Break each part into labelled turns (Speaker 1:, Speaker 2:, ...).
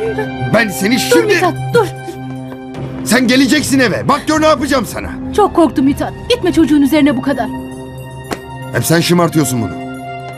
Speaker 1: Ben seni
Speaker 2: Dur
Speaker 1: şimdi...
Speaker 2: Mithat, dur.
Speaker 1: Sen geleceksin eve. Bak gör ne yapacağım sana.
Speaker 2: Çok korktum Mithat. Gitme çocuğun üzerine bu kadar.
Speaker 1: Hep sen şımartıyorsun bunu.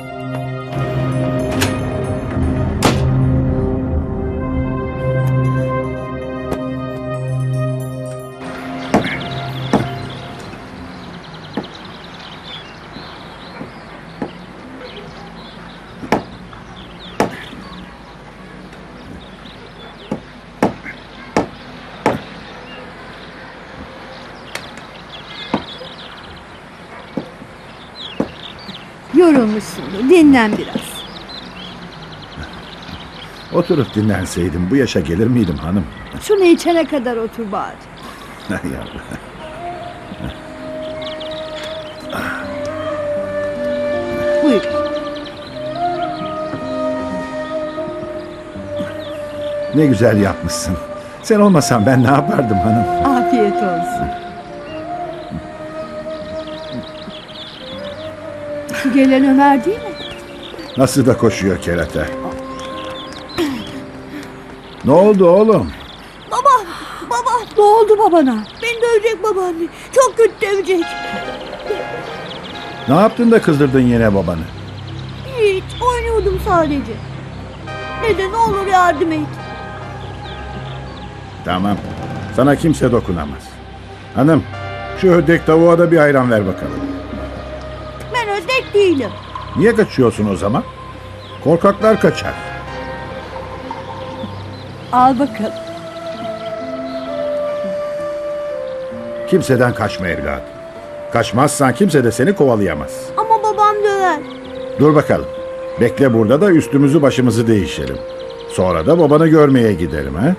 Speaker 3: Yorulmuşsundur. Dinlen biraz.
Speaker 4: Oturup dinlenseydim bu yaşa gelir miydim hanım?
Speaker 3: Şunu içene kadar otur bari.
Speaker 4: Yavrum.
Speaker 3: Buyur.
Speaker 4: Ne güzel yapmışsın. Sen olmasan ben ne yapardım hanım?
Speaker 3: Afiyet olsun. Şu gelen Ömer değil mi?
Speaker 4: Nasıl da koşuyor kerata. Ne oldu oğlum?
Speaker 3: Baba! Ne oldu babana? Beni dövecek babaanne. Çok kötü dövecek.
Speaker 4: Ne yaptın da kızdırdın yine babanı?
Speaker 3: Hiç oynuyordum sadece. Dede ne olur yardım et.
Speaker 4: Tamam. Sana kimse dokunamaz. Hanım, şu ödek tavuğa da bir ayran ver bakalım.
Speaker 3: Ben ödek değilim.
Speaker 4: Niye kaçıyorsun o zaman? Korkaklar kaçar.
Speaker 3: Al bakalım.
Speaker 4: Kimseden kaçma evladım. Kaçmazsan kimse de seni kovalayamaz.
Speaker 3: Ama babam döver.
Speaker 4: Dur bakalım. Bekle burada da üstümüzü başımızı değişelim. Sonra da babanı görmeye gidelim ha?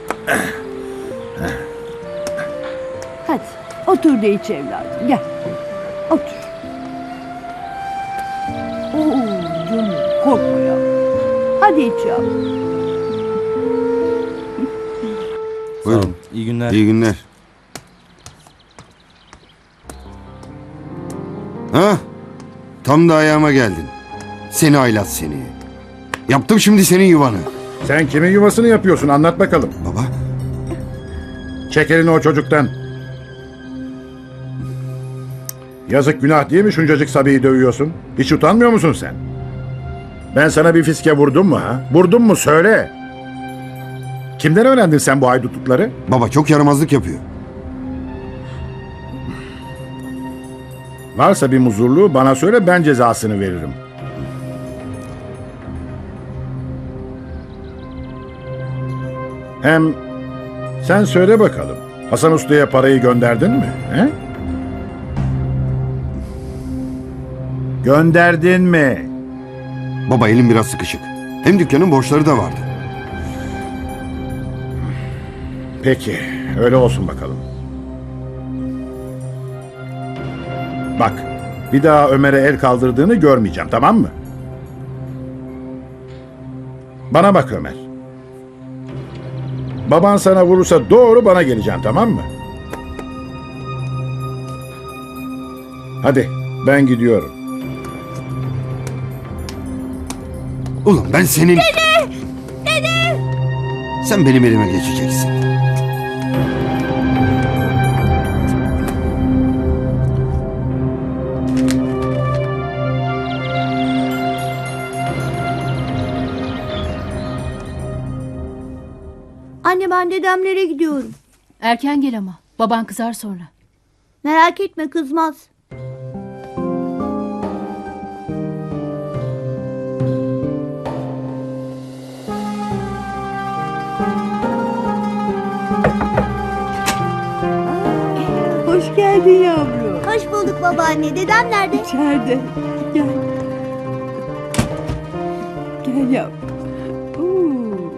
Speaker 3: Hadi otur da iç evladım. Gel. Otur. Oo, canım korkma ya. Hadi iç ya.
Speaker 1: Buyurun.
Speaker 5: İyi günler.
Speaker 1: İyi günler. Ha? Tam da ayağıma geldin. Seni aylat seni. Yaptım şimdi senin yuvanı.
Speaker 4: Sen kimin yuvasını yapıyorsun anlat bakalım.
Speaker 1: Baba.
Speaker 4: Çek elini o çocuktan. Yazık günah değil mi şuncacık Sabi'yi dövüyorsun? Hiç utanmıyor musun sen? Ben sana bir fiske vurdum mu ha? Vurdum mu söyle. Kimden öğrendin sen bu haydutlukları?
Speaker 1: Baba çok yaramazlık yapıyor.
Speaker 4: Varsa bir muzurluğu bana söyle ben cezasını veririm. Hem sen söyle bakalım. Hasan Usta'ya parayı gönderdin mi? He? Gönderdin mi?
Speaker 1: Baba elim biraz sıkışık. Hem dükkanın borçları da vardı.
Speaker 4: Peki, öyle olsun bakalım. Bak, bir daha Ömer'e el kaldırdığını görmeyeceğim, tamam mı? Bana bak Ömer. Baban sana vurursa doğru bana geleceksin, tamam mı? Hadi, ben gidiyorum.
Speaker 1: Ulan ben senin... Dede! Dede! Sen benim elime geçeceksin.
Speaker 6: Anne ben dedemlere gidiyorum.
Speaker 2: Erken gel ama. Baban kızar sonra.
Speaker 6: Merak etme kızmaz.
Speaker 3: Hoş geldin yavrum.
Speaker 6: Hoş bulduk babaanne. Dedem nerede?
Speaker 3: İçeride. Gel. Gel yavrum. Oo.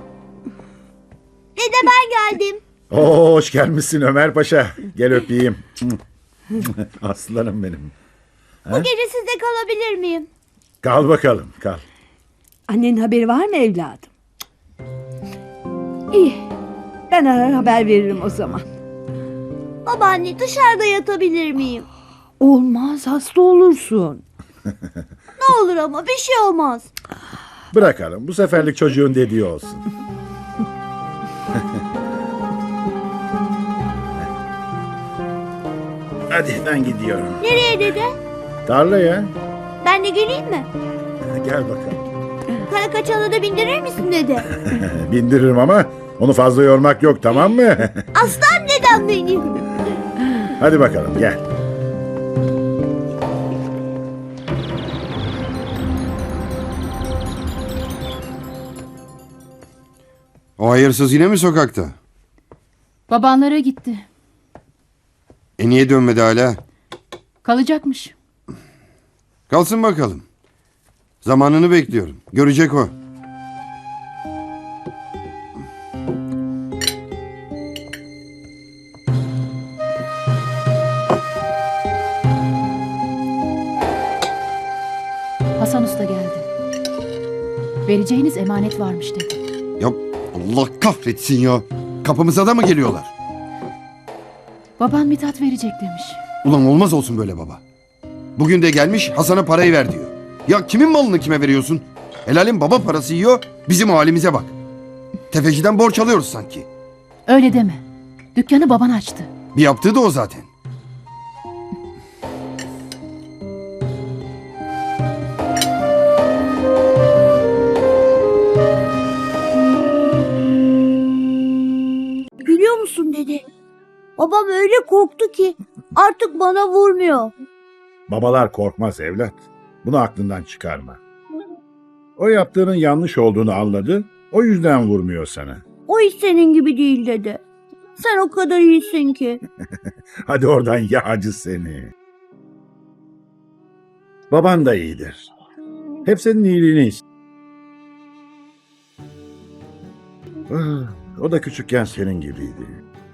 Speaker 6: Dede ben geldim.
Speaker 4: Oo, hoş gelmişsin Ömer Paşa. Gel öpeyim. Aslanım benim.
Speaker 6: Bu gece sizde kalabilir miyim?
Speaker 4: Kal bakalım, kal.
Speaker 3: Annenin haberi var mı evladım? İyi. Ben arar haber veririm o zaman.
Speaker 6: Babaanne dışarıda yatabilir miyim?
Speaker 3: Olmaz, hasta olursun.
Speaker 6: Ne olur ama bir şey olmaz.
Speaker 4: Bırakalım, bu seferlik çocuğun dediği olsun. Hadi ben gidiyorum.
Speaker 6: Nereye dede?
Speaker 4: Tarlaya.
Speaker 6: Ben de geleyim mi?
Speaker 4: Gel bakalım.
Speaker 6: Kara kaçanı da bindirir misin dede?
Speaker 4: Bindiririm ama onu fazla yormak yok, tamam mı?
Speaker 6: Aslan dedem benim.
Speaker 4: Hadi bakalım gel.
Speaker 1: O hayırsız yine mi sokakta?
Speaker 2: Babanlara gitti.
Speaker 1: Niye dönmedi hala?
Speaker 2: Kalacakmış.
Speaker 1: Kalsın bakalım. Zamanını bekliyorum. Görecek o.
Speaker 2: Hasan Usta geldi. Vereceğiniz emanet varmış dedi.
Speaker 1: Ya Allah kahretsin ya. Kapımıza da mı geliyorlar?
Speaker 2: Baban Mithat verecek demiş.
Speaker 1: Ulan olmaz olsun böyle baba. Bugün de gelmiş Hasan'a parayı ver diyor. Ya kimin malını kime veriyorsun? Helalin baba parası yiyor, bizim o halimize bak. Tefeciden borç alıyoruz sanki.
Speaker 2: Öyle deme. Dükkanı baban açtı.
Speaker 1: Bir yaptığı da o zaten.
Speaker 3: Biliyor musun dede? Babam öyle korktu ki artık bana vurmuyor.
Speaker 4: Babalar korkmaz evlat. Bunu aklından çıkarma. O yaptığının yanlış olduğunu anladı. O yüzden vurmuyor sana.
Speaker 3: O hiç senin gibi değil dede. Sen o kadar iyisin ki.
Speaker 4: Hadi oradan yağcı seni. Baban da iyidir. Hep senin iyiliğini ister. O da küçükken senin gibiydi.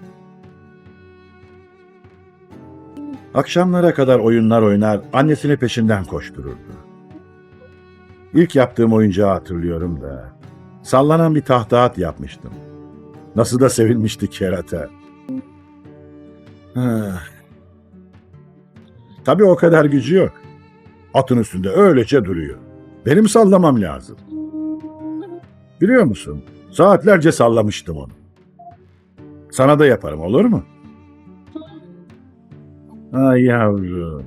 Speaker 4: Akşamlara kadar oyunlar oynar, annesini peşinden koştururdu. İlk yaptığım oyuncağı hatırlıyorum da. Sallanan bir tahta at yapmıştım. Nasıl da sevinmişti kerata. Tabii o kadar gücü yok. Atın üstünde öylece duruyor. Benim sallamam lazım. Biliyor musun? Saatlerce sallamıştım onu. Sana da yaparım, olur mu? Ay yavrum.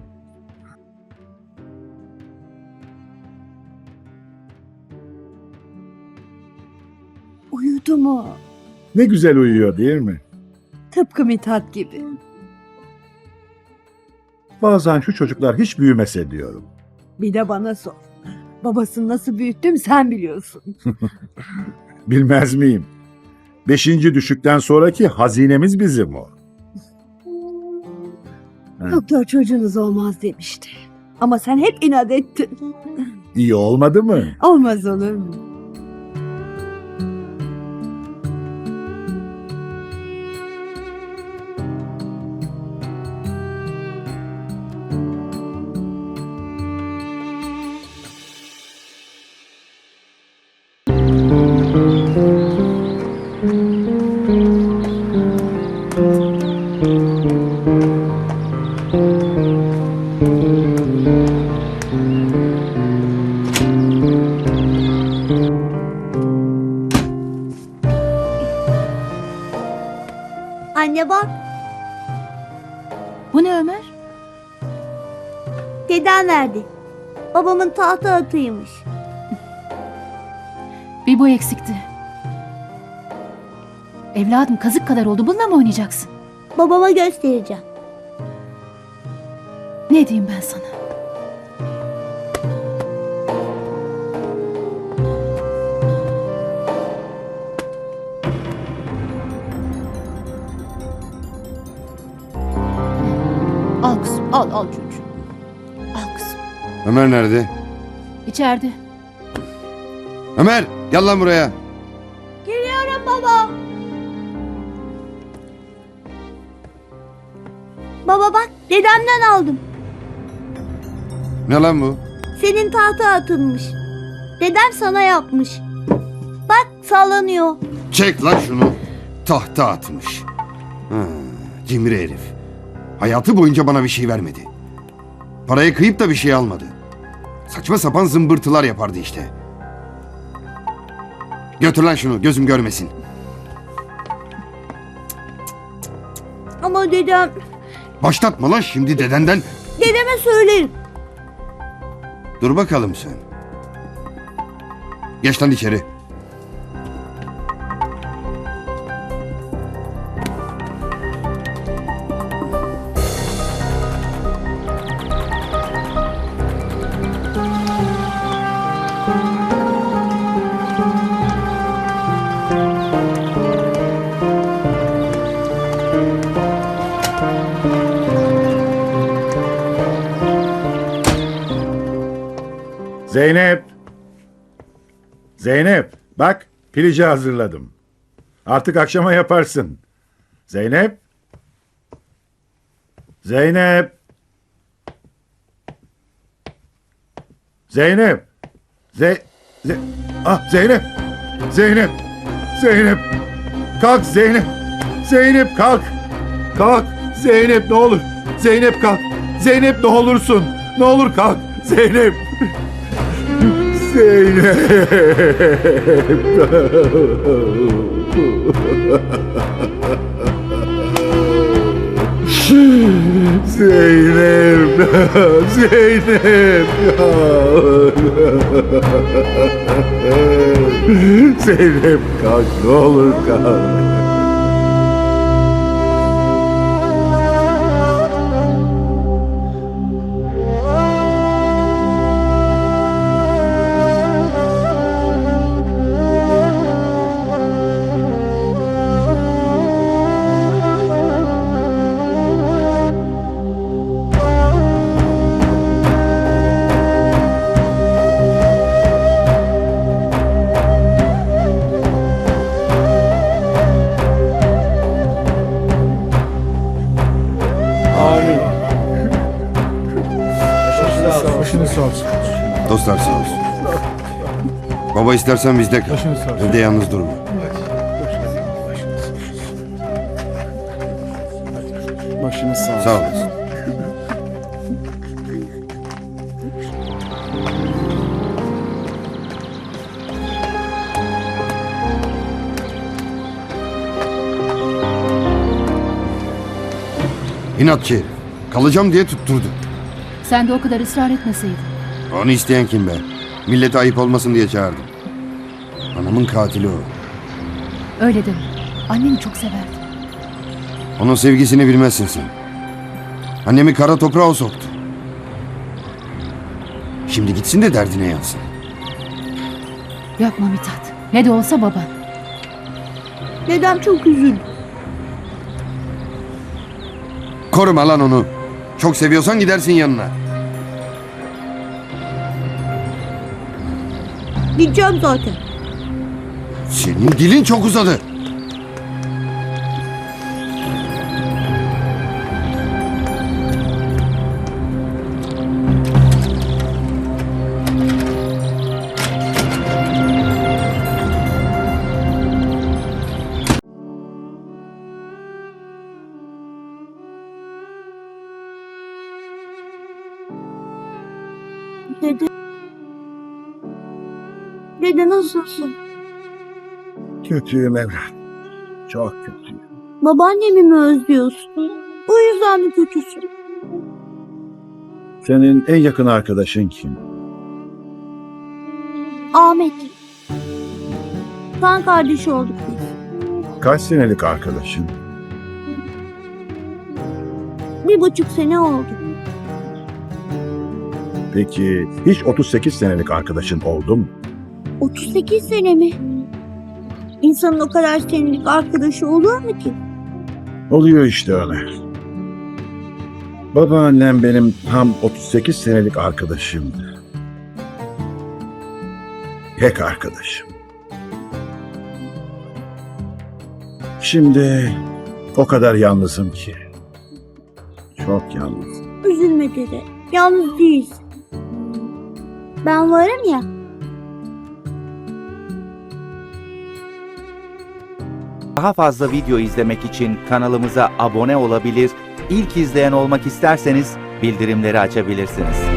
Speaker 3: Uyudu mu?
Speaker 4: Ne güzel uyuyor değil mi?
Speaker 3: Tıpkı Mithat gibi.
Speaker 4: Bazen şu çocuklar hiç büyümese diyorum.
Speaker 3: Bir de bana sor. Babasını nasıl büyüttüm sen biliyorsun.
Speaker 4: Bilmez miyim? 5. düşükten sonraki hazinemiz bizim o.
Speaker 3: Doktor çocuğunuz olmaz demişti. Ama sen hep inat ettin.
Speaker 4: İyi olmadı mı?
Speaker 3: Olmaz olur mu?
Speaker 6: Anne bak,
Speaker 2: Bu ne Ömer?
Speaker 6: dedem verdi. Babamın tahta atıymış.
Speaker 2: Bir bu eksikti. Evladım kazık kadar oldu. Bununla mı oynayacaksın?
Speaker 6: Babama göstereceğim.
Speaker 2: Ne diyeyim ben sana? Al kızım, al çocuğum. Al kızım.
Speaker 1: Ömer nerede?
Speaker 2: İçeride.
Speaker 1: Ömer gel lan buraya.
Speaker 6: Geliyorum baba. Baba bak, dedemden aldım.
Speaker 1: Ne lan bu?
Speaker 6: Senin tahta atılmış. Dedem sana yapmış. Bak sallanıyor.
Speaker 1: Çek lan şunu. Tahta atmış. Ha, cimri herif. Hayatı boyunca bana bir şey vermedi. Parayı kıyıp da bir şey almadı. Saçma sapan zımbırtılar yapardı işte. Götür lan şunu, gözüm görmesin.
Speaker 6: Ama dedem
Speaker 1: Başlatma lan şimdi dedenden.
Speaker 3: Dedeme söylerim.
Speaker 1: Dur bakalım sen. Geç lan içeri.
Speaker 4: Zeynep. Zeynep, bak pilici hazırladım. Artık akşama yaparsın. Zeynep. Zeynep. Zeynep. Zeynep. Zeynep. Zeynep. Kalk Zeynep. Zeynep kalk. Kalk. Zeynep ne olur. Zeynep kalk. Zeynep ne olursun. Ne olur kalk. Zeynep. Zeynep. Zeynep. Zeynep. Zeynep kalk ne olur kalk.
Speaker 1: Dostlar sağ olsun. Baba istersen bizde kal. Evde yalnız durma.
Speaker 5: Başınız sağ olsun.
Speaker 1: Sağ olasın. İnatçı herif. Kalacağım diye tutturdu.
Speaker 2: Sen de o kadar ısrar etmeseydin.
Speaker 1: Onu isteyen kim be? Millete ayıp olmasın diye çağırdım. Anamın katili o.
Speaker 2: Öyle deme. Anneni çok severdi.
Speaker 1: Onun sevgisini bilmezsin sen. Annemi kara toprağa o soktu. Şimdi gitsin de derdine yansın.
Speaker 2: Yapma Mithat. Ne de olsa baban.
Speaker 3: Dedem çok üzüldü.
Speaker 1: Koruma lan onu. Çok seviyorsan gidersin yanına.
Speaker 3: Gideceğim zaten.
Speaker 1: Senin dilin çok uzadı.
Speaker 3: Dede. Dede nasılsın?
Speaker 4: Kötüyüm evlat. Çok kötüyüm.
Speaker 3: Babaannemi mi özlüyorsun? O yüzden mi kötüsün?
Speaker 4: Senin en yakın arkadaşın kim?
Speaker 3: Ahmet. Kan kardeşi olduk biz.
Speaker 4: Kaç senelik arkadaşın?
Speaker 3: 1,5 sene oldu.
Speaker 4: Peki hiç 38 senelik arkadaşın oldu mu?
Speaker 3: 38 sene mi? İnsanın o kadar senelik arkadaşı olur mu ki?
Speaker 4: Oluyor işte öyle. Babaannem benim tam 38 senelik arkadaşımdı. Tek arkadaşım. Şimdi o kadar yalnızım ki. Çok yalnızım.
Speaker 3: Üzülme dede. Yalnız değilsin. Ben varım ya.
Speaker 7: Daha fazla video izlemek için kanalımıza abone olabilir, ilk izleyen olmak isterseniz bildirimleri açabilirsiniz.